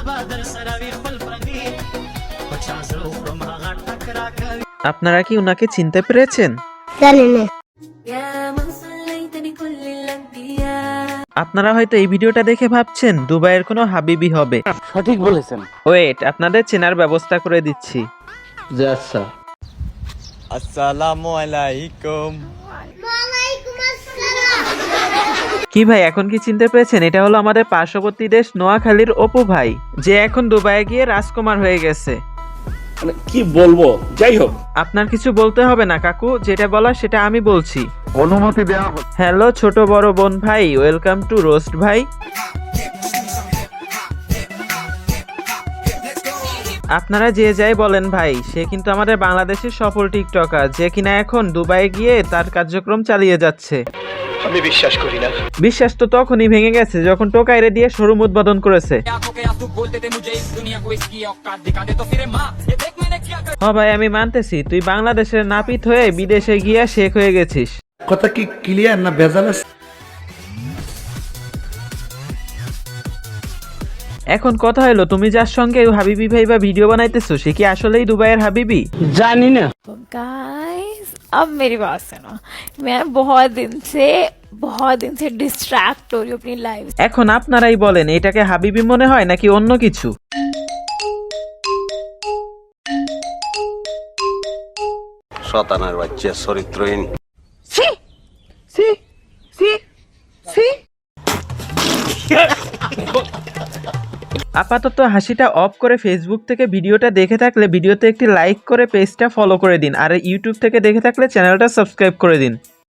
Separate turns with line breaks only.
আপনারা কি উনাকে চিনতে পেরেছেন?
জানি না।
আপনারা হয়তো এই ভিডিওটা দেখে ভাবছেন দুবাইয়ের কোনো হাবিবি হবে।
সঠিক বলেছেন।
ওয়েট, আপনাদের চেনার ব্যবস্থা করে দিচ্ছি।
জি আচ্ছা।
আসসালামু আলাইকুম।
কি ভাই, এখন কি চিনতে পেরেছেন? এটা হলো আমাদের পার্শ্ববর্তী দেশ নোয়াখালীর অপু ভাই, যে এখন দুবাইয়ে গিয়ে রাজকুমার হয়ে গেছে।
মানে কি বলবো, যাই হোক।
আপনার কিছু বলতে হবে না কাকু, যেটা বলার সেটা আমি বলছি।
অনুমতি দেওয়া হচ্ছে।
হ্যালো ছোট বড় বোন ভাই, ওয়েলকাম টু রোস্ট ভাই। আপনারা যে যাই বলেন ভাই, সে কিন্তু আমাদের বাংলাদেশের সফল টিকটকার, যে কিনা এখন দুবাইয়ে গিয়ে তার কার্যক্রম চালিয়ে যাচ্ছে।
আমি বিশ্বাস করি না।
বিশ্বাস তো তখনই ভেঙে গেছে যখন টোকাইরে দিয়ে শোরুম উদ্বোধন করেছে। হ্যাঁ ভাই, আমি মানতেছি তুই বাংলাদেশের নাপিত হয়ে বিদেশে গিয়া শেখ হয়ে গেছিস।
কথা কি ক্লিয়ার না ভেজাল আছে?
এখন কথা হলো, তুমি যার সঙ্গে হাবিবি ভাই বা ভিডিও বানাইতেছো, সে কি আসলেই দুবাইয়ের হাবিবি?
জানি না।
गाइस अब मेरी बात सुनो, मैं बहुत दिन से डिस्ट्रैक्ट हो रही हूँ अपनी लाइफ से।
এখন আপনারাই বলেন, এটাকে হাবিবি মনে হয় নাকি অন্য কিছু?
শয়তানের বাচ্চা, চরিত্রহীন।
আপাতত হাসিটা অফ করে ফেসবুক থেকে ভিডিওটা দেখে থাকলে ভিডিওতে একটি লাইক করে পেজটা ফলো করে দিন, আর ইউটিউব থেকে দেখে থাকলে চ্যানেলটা সাবস্ক্রাইব করে দিন।